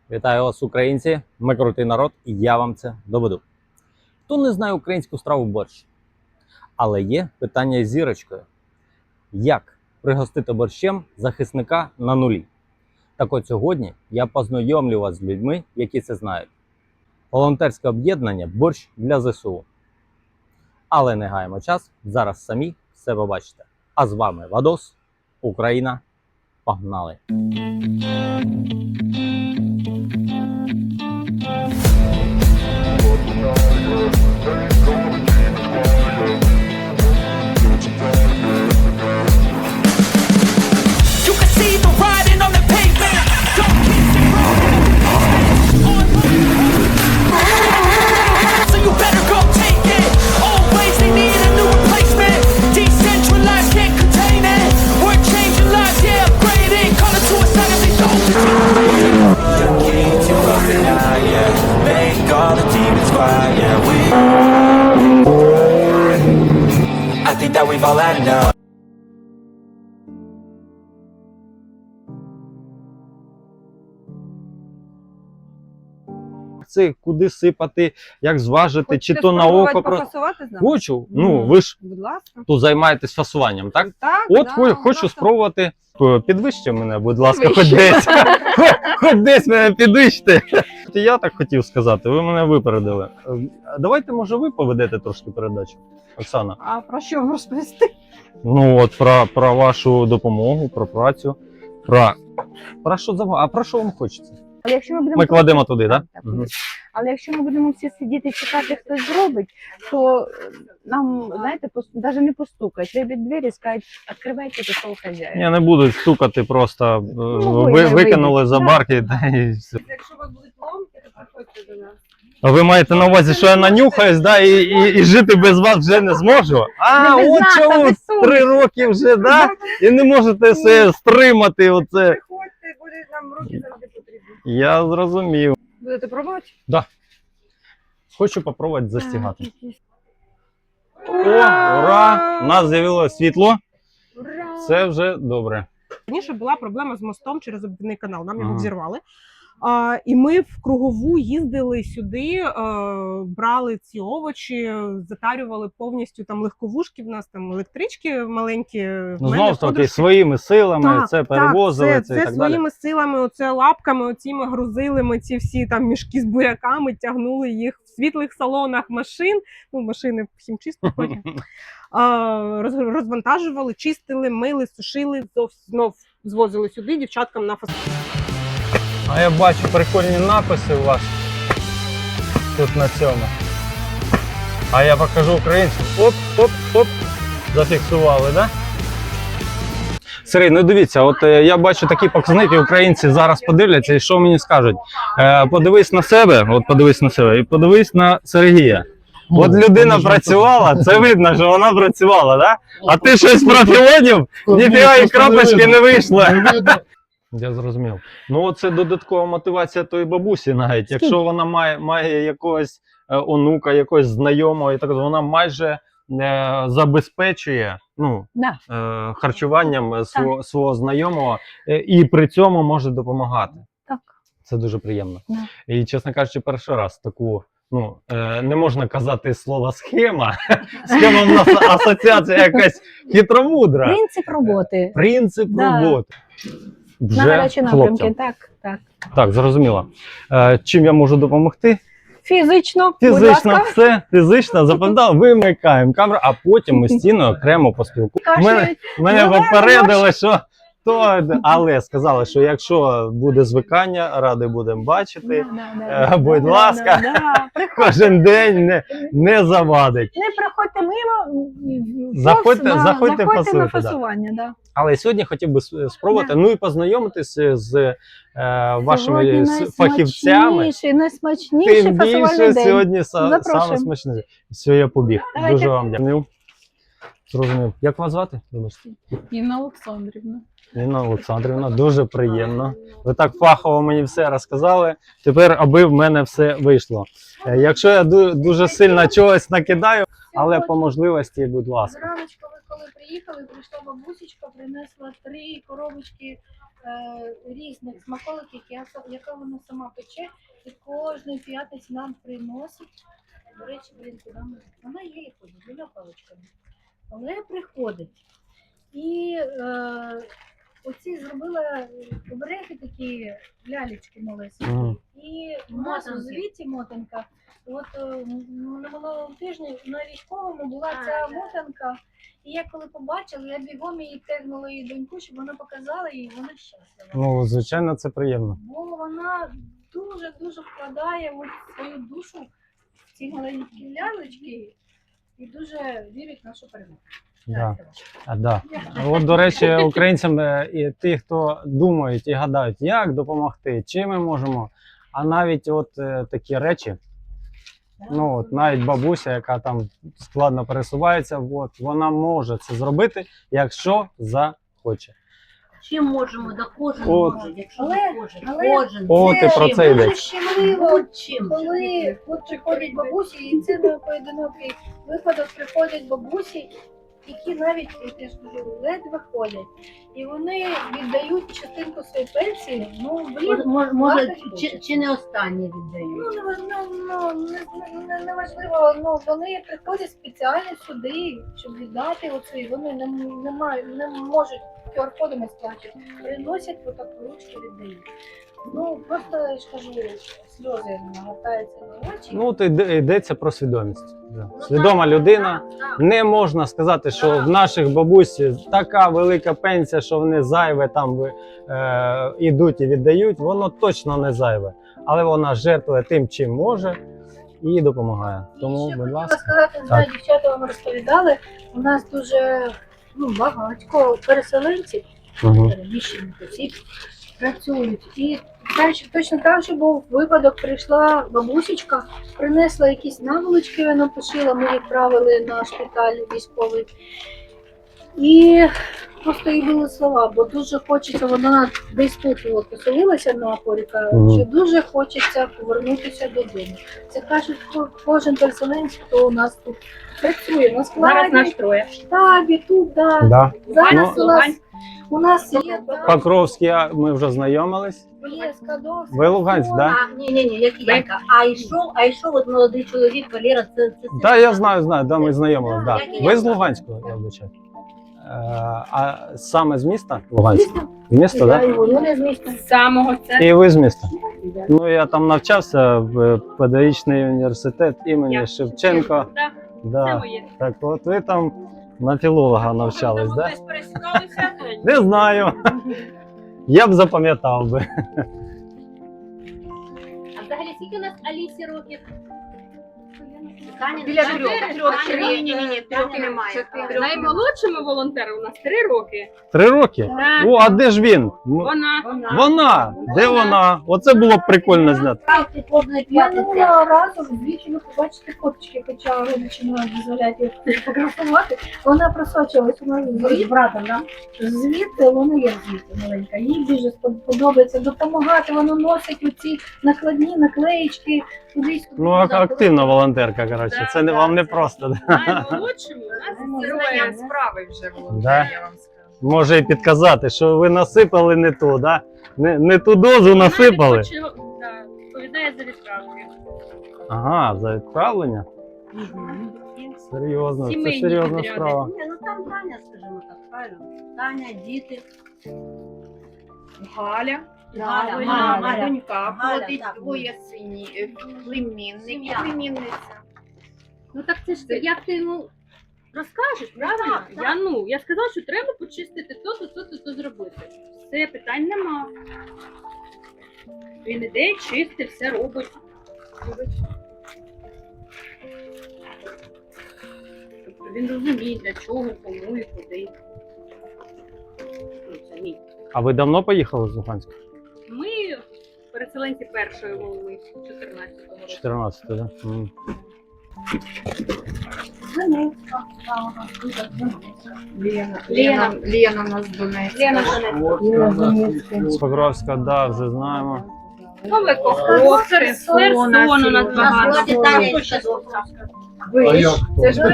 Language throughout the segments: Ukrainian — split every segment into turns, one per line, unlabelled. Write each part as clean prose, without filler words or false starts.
Вітаю вас, українці! Ми крутий народ, і я вам це доведу. Хто не знає українську страву борщ? Але є питання з зірочкою. Як пригостити борщем захисника на нулі? Так от сьогодні я познайомлю вас з людьми, які це знають. Волонтерське об'єднання «Борщ для ЗСУ». Але не гаємо час, зараз самі все побачите. А з вами Вадос, Україна. Погнали! Це куди сипати, як зважити,
Хочете
чи то на око.
пофасувати з нами?
Хочу. Ну, ви ж
Будь ласка.
тут займаєтесь фасуванням, так?
Так,
От
да,
хочу спробувати. Підвищте мене, будь ласка, хоч
Підвищуй.
десь. Хоч десь мене підвищте. Я так хотів сказати, ви мене випередили. Давайте, може, ви поведете трошки передачу, Оксана?
А про що вам розповісти?
Ну от про вашу допомогу, про працю, про що завгодно. А про що вам хочеться?
Але якщо ми будемо
Ми кладемо туди, так?
Так, але якщо ми будемо всі сидіти і чекати, хтось зробить, то нам, знаєте, навіть не постукають. Виб'ють двері і скажуть, відкривайте, пішов хазяїн.
Я не буду стукати, просто
ви
викинули
вийдете.
за
Да.
барки. Та і все.
Якщо у вас будуть ломки, то приходьте до нас.
А ви маєте на увазі, що я нанюхаюсь, да, і жити без вас вже не зможу? А,
Не без
от
нас, а
чому
без совісті.
3 роки вже, да? І не можете все стримати оце.
Приходьте, буде нам руки завжди потрібні.
Я зрозумів.
Будете пробувати?
Хочу попробувати застігати. О,
Ура!
ура! У нас з'явилося світло.
Ура!
Це вже добре.
Раніше була проблема з мостом через обвідний канал, нам його
Ага.
взірвали. І ми в кругову їздили сюди, брали ці овочі, затарювали повністю там легковушки, в нас там електрички маленькі. в
Ну,
мене
знову ж таки,
подружки.
своїми силами
Так,
це перевозили,
так,
це
це
і так далі.
своїми силами, оце лапками, оціми грузили ми ці всі там мішки з буряками, тягнули їх в світлих салонах машин, ну машини всім чисто потім. Розвантажували, чистили, мили, сушили, знов звозили сюди дівчаткам на фасад.
А я бачу прикольні написи у вас тут на цьому. А я покажу українцям. Оп, оп, оп. Зафіксували, так? Да? Сергій, ну дивіться, от я бачу такі показники, українці зараз подивляться і що мені скажуть. Подивись на себе, і подивись на Сергія. От людина працювала, це видно, що вона працювала, да? А ти щось профілонів, ніфіга і крапочки не вийшло. Я зрозумів. Ну, це додаткова мотивація тої бабусі навіть. Якщо вона має якогось онука, якогось знайомого, і так вона майже забезпечує харчуванням свого знайомого і при цьому може допомагати.
Так.
Це дуже приємно.
Да.
І, чесно кажучи, перший раз таку, не можна казати слово схема. Схема в нас асоціація якась хитромудра.
Принцип роботи.
Принцип
Да.
роботи.
На гарячі напрямки.
хлопцям.
Так.
Так, зрозуміло. Чим я можу допомогти?
Фізично, будь
Фізично
ласка.
все, фізично запам'ятав, вимикаємо камеру, а потім ми з Тіною окремо поспілкуємося.
Кашляють.
Мене
Ну,
попередили, що але сказали, що якщо буде звикання, ради будемо бачити. Будь ласка.
Приходьте.
Кожен день не завадить.
Не приходьте мимо.
Заходьте,
на
фасуйте, да.
фасування. Да.
Але сьогодні хотів би спробувати, ну і познайомитися з вашими
Сьогодні
фахівцями.
найсмачніший
Тим
фасувальний
більше
день.
сьогодні саме
Запрошуємо.
смачне. Все, я побіг.
Давайте.
Дуже вам дякую. Зрозумів. Як вас звати? Вибачте.
Інна Олександрівна.
Інна Олександрівна, дуже приємно. Ви так фахово мені все розказали. Тепер, аби в мене все вийшло. Якщо я дуже сильно чогось накидаю, але по можливості, будь ласка.
Зраночку ви коли приїхали, прийшла бабусечка, принесла 3 коробочки
різних смаколиків, яка вона сама пече, і кожної п'ятниці нам приносить. До речі, куди вона є ходить, біля паличками. Але приходить. І оці зробила обереги такі, лялечки малесенькі. І у нас у звіті мотанка. От на минулому тижні на військовому була ця мотанка. І я коли побачила, я бігом її тегнула її доньку, щоб вона показала їй, вона щаслива.
Ну, звичайно, це приємно.
Бо вона дуже вкладає от свою душу в ці маленькі лялечки і дуже вірить в нашу перемогу.
Да. Да. От, до речі, українцям і ті, хто думають і гадають, як допомогти, чим ми можемо, а навіть от такі речі, ну от навіть бабуся, яка там складно пересувається, от, вона може це зробити, якщо захоче.
Чим можемо, да кожен
От.
може, якщо
Але-
не кожен.
але
Кожен.
От і про це йде.
Дуже щемливо,
Чим?
коли от приходять бабусі, і це не поодинокий випадок, приходять бабусі, які навіть, я ж кажу, ледве ходять. І вони віддають частинку своєї пенсії, ну, блін,
Може,
багато
чи не останнє віддають?
ну, неважливо, ну, вони приходять спеціально сюди, щоб віддати оце, і вони не можуть QR-кодами сплачувати, приносять отак ручки віддають. Ну, просто, я ж кажу, сльози нагортаються на очі.
Ну, от йдеться про свідомість. Да. Свідома людина. Не можна сказати, що в наших бабусь така велика пенсія, що вони зайве там ідуть і віддають, воно точно не зайве. Але вона жертвує тим, чим може, і допомагає. Тому,
Ще
будь
хотіла
ласка.
сказати, не знаю, дівчата вам розповідали, у нас дуже багатько переселенців,
Угу.
переміщених осіб працюють. І точно так же був випадок, прийшла бабусечка, принесла якісь наволочки, вона пошила, ми відправили на шпиталь військовий. І просто їй були слова, бо дуже хочеться, вона десь тут от поселилася на Поріка, що дуже хочеться повернутися додому. Це кажуть кожен переселенець, хто у нас тут працює, на складі,
троє.
в штабі, тут, да.
Да.
Зараз
Ну,
у нас є
Покровський, ми вже знайомились.
є Скадовський.
Ви Луганськ, так?
Ні, як Янка. А йшов от молодий чоловік, Валера, це
Так, я знаю, да, ми знайомились. Да.
Як і
Ви
я.
з Луганського, я вибачаю. А саме з міста? Луганськ? З міста,
Я
так?
його, вони з міста.
Самого це.
І ви з міста? Ну, я там навчався в педагогічний університет імені Шевченка.
Так, це
Да.
моє.
Так от ви там на філолога навчались, так?
Десь пересікалися.
Не знаю. Я б запам'ятав би.
А взагалі скільки у нас Алісі років?
Біля трьох. Ні, трьох немає.
Наймолодшому волонтеру у нас 3 роки.
3 роки?
Так.
О, а де ж він?
Вона.
Вона! Де вона? Оце було б прикольно зняти.
Ти кожної п'ятниці.
Минулого разу звідси ви побачите фоточки, хоча родичі не дозволяють їх фотографувати. Вона просочилась у нас з братом, да? Звідти, вона є звідти маленька. Їй дуже подобається допомагати, вона носить оці накладні наклеїчки туди-сюди.
Ну, активна волонтерка, коротше. Це не вам не просто. Да?
Наймолодшому у нас троє.
справи вже було,
Да?
я вам скажу.
Може і підказати, що ви насипали не ту, да? Не ту дозу насипали.
Відповідає за відправки.
Ага, за відправлення? Серйозно, це
Сімейні
серйозна
підряди.
справа.
Ні, ну там Таня, скажімо так, правильно. Таня, діти.
Галя,
Галя.
донька,
Галя,
плодить
так.
двоє племінників,
Сім'я.
племінниця.
Ну так це ж як ти йому розкажеш, правильно? Я сказала, що треба почистити то зробити. Все, питань нема. Він іде, чистить, все робить. Тобто він розуміє, для чого, кому і куди. Ну, це ні.
А ви давно поїхали з Луганська?
Ми переселенці першої волни 14-го року.
14, так? Да?
Лена у нас з Донецька.
З Покровська, да, вже знаємо.
Нове Коховське, Херсон у нас багато.
Насправді Таня із Кадовська.
Це ж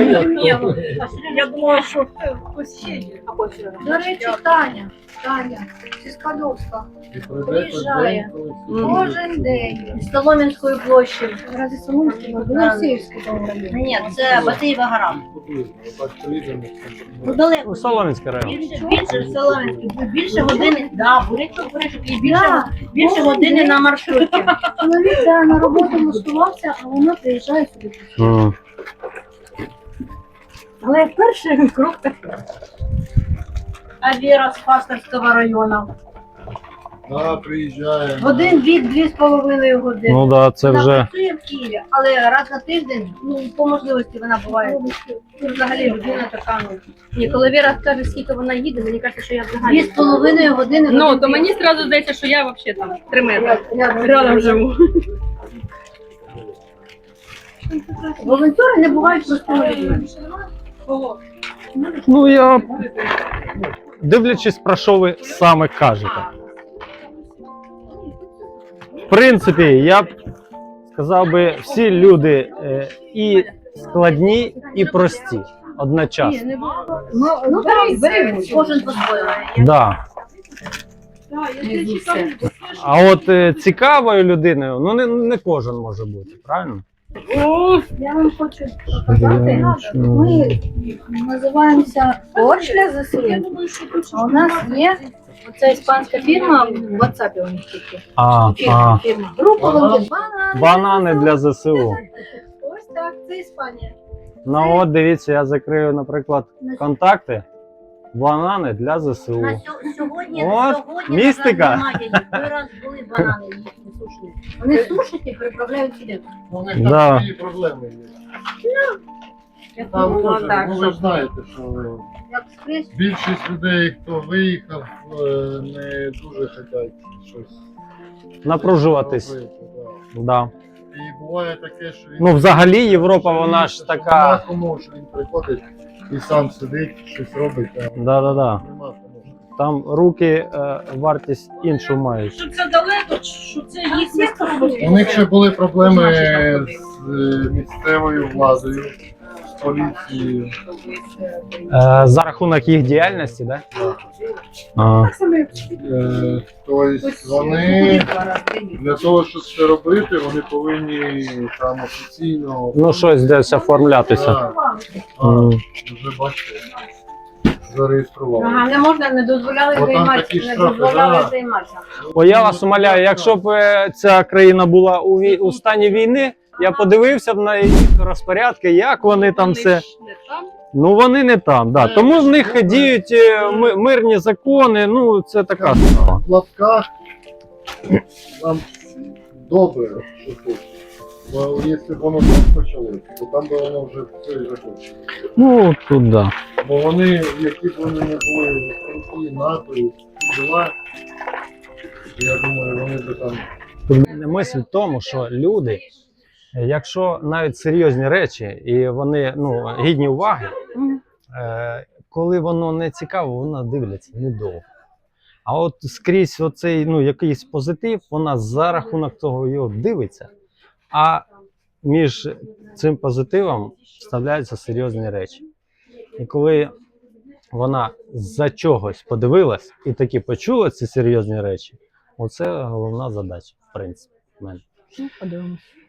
Я думала, що хтось ще є. До речі, Таня зі Скадовська приїжджає кожен день.
З Солом'янської площі.
Ради Соломської, Голосіївського того району.
Ні, це Батиєва гора. Ну, далеко.
Ну, Солом'янський район.
Більше Солом'янський, більше години, бурячок, і більше години на маршруті.
Чоловік на роботу влаштувався, а вона приїжджає сюди.
М.
Але перший крок такий. А Віра з Пасторського району.
Да, приїжджає.
Один від 2,5 години.
Ну да, це
Вона
вже.
працює в Києві, але раз на тиждень, ну, по можливості вона буває. Ну, взагалі людина така, ну,
Ні, коли Віра скаже, скільки вона їде, мені кажеться, що я взагалі.
2,5 години.
Ну,
годин
то
пів.
мені одразу здається, що я взагалі там 3 метри. Рядом живу.
Волонтери не бувають простими людьми.
Ну я дивлячись, про що ви саме кажете. В принципі, я б сказав би, всі люди і складні, і прості одночасно.
Ну так, кожен по-своєму.
Да. А от цікавою людиною, ну не кожен може бути, правильно?
Я вам хочу показати, ми називаємося Оршля ЗСУ. А у нас є оця іспанська фірма, в WhatsApp у них тільки. Фірма. Група «Банани».
Банани для ЗСУ.
Ось так, це Іспанія.
Ну от дивіться, я закрию, наприклад, контакти. Банани для ЗСУ.
На сьогодні,
От,
сьогодні
містика.
на жаль, немає їх. Ви раз були банани їхні сушені. Вони сушать і приправляють сюди.
У них
Да.
там свої проблеми є. Там теж, ну ви ж знаєте, що
Як скрізь.
більшість людей, хто виїхав, не дуже хочуть щось
Напружуватись.
робити, да.
Да.
І буває таке, що він
Ну, взагалі, Європа, вона ж така.
Кому, що він приходить і сам сидить, щось робить, а
Да-да-да.
нема кому.
Там руки вартість іншу мають.
Що це далеко, що це їхня
У них ще були проблеми з місцевою владою, з поліцією.
За рахунок їх діяльності, да? А,
Тобто вони для того, щоб це робити, вони повинні там офіційно.
ну, щось десь оформлятися.
Да.
М.
Вже бачите, зареєстрували.
Ага, не можна, не дозволяли
Бо там
займатися.
такі
Не
штрафи,
дозволяли
да.
займатися.
Бо я вас умоляю, якщо б ця країна була у стані війни, я подивився б на їх розпорядки, як вони там все. Ну вони не там, да. Тому в них діють мирні закони, ну це така справа.
В лапках нам добре, що тут. Бо якщо б воно так почалося, то там би воно вже все і закінчилося.
Ну тут да.
Бо вони, які б вони не були круті, НАТО і всі діла, я думаю, вони б там.
Мисль в тому, що люди, якщо навіть серйозні речі, і вони гідні уваги, коли воно не цікаво, воно дивляться недовго. А от скрізь оцей якийсь позитив, вона за рахунок того його дивиться, а між цим позитивом вставляються серйозні речі. І коли вона за чогось подивилась і таки почула ці серйозні речі, оце головна задача, в принципі, в мене.
Ну, подивимось.